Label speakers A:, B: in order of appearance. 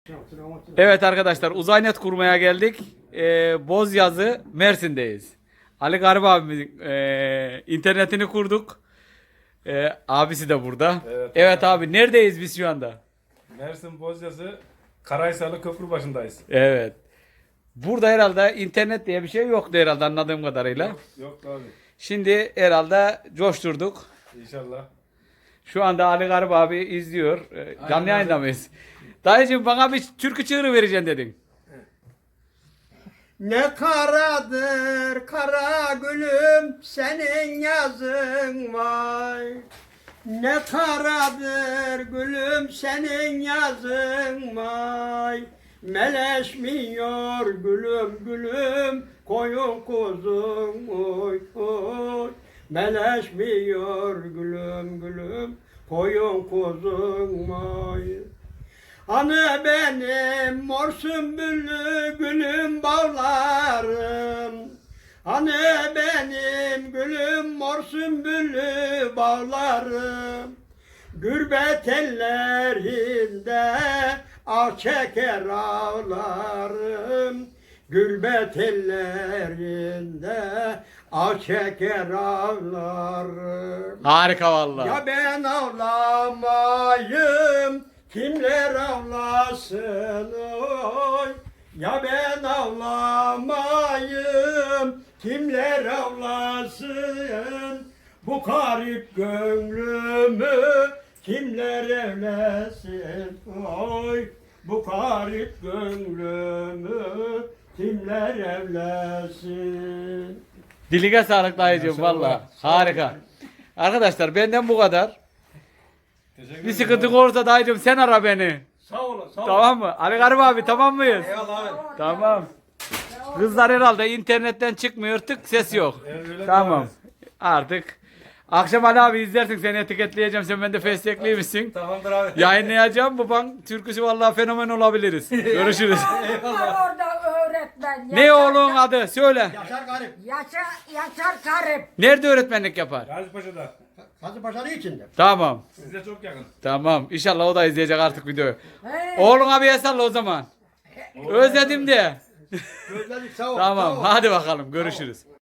A: Evet arkadaşlar, Uzaynet kurmaya geldik. Bozyazı Mersin'deyiz. Ali Garip abimizin internetini kurduk. Abisi de burada. Evet abi, neredeyiz biz şu anda?
B: Mersin Bozyazı Karaysalı köprü başındayız.
A: Evet. Burada herhalde internet diye bir şey yoktu herhalde, anladığım kadarıyla.
B: Yok abi.
A: Şimdi herhalde coşturduk.
B: İnşallah.
A: Şu anda Ali Garip abi izliyor. Canlı yayında mıyız? Dayıcığım, bana bir türkü çığırı vereceksin dedin.
C: Ne karadır kara gülüm senin yazın vay. Ne karadır gülüm senin yazın vay. Meleşmiyor gülüm gülüm koyun kuzum oy oy. Meleşmiyor gülüm gülüm koyun kuzum vay. Hani benim mor sümbüllü gülüm bağlarım. Hani benim gülüm mor sümbüllü bağlarım. Gürbet ellerinde ah çeker ağlarım. Gürbet ellerinde ah çeker ağlarım.
A: Harika vallahi.
C: Ya ben ağlamayım, kimler ağlasın oy. Ya ben ağlamayım, kimler ağlasın. Bu garip gönlümü kimler evlesin oy. Bu garip gönlümü kimler evlesin.
A: Diline sağlık dayıcığım valla. Harika. Arkadaşlar, benden bu kadar. Bir sıkıntı olursa dayıcığım sen ara beni.
C: Sağ olun, sağ olun.
A: Tamam mı? Ali Garip abi, tamam mıyız?
C: Eyvallah abi.
A: Tamam. Kızlar herhalde internetten çıkmıyor, tık ses yok.
B: Öyle
A: Tamam.
B: abi.
A: Artık akşam Ali abi izlersin, seni etiketleyeceğim, sen bende festekliymişsin.
B: Tamamdır abi.
A: Yayınlayacağım, baban türküsü vallahi fenomen olabiliriz. Görüşürüz.
D: Var orada öğretmen.
A: Ne oğlun adı? Söyle.
C: Yaşar Garip.
D: Yaşar Garip.
A: Nerede öğretmenlik yapar?
B: Gazi Paşa'da.
C: Fazla başarı içinde.
A: Tamam.
B: Size çok yakın.
A: Tamam. İnşallah o da izleyecek artık videoyu.
D: He.
A: Oğlun abiye salla o zaman. Özledim de.
C: Gözledik sağ ol.
A: Tamam.
C: sağ ol.
A: Hadi bakalım. Görüşürüz.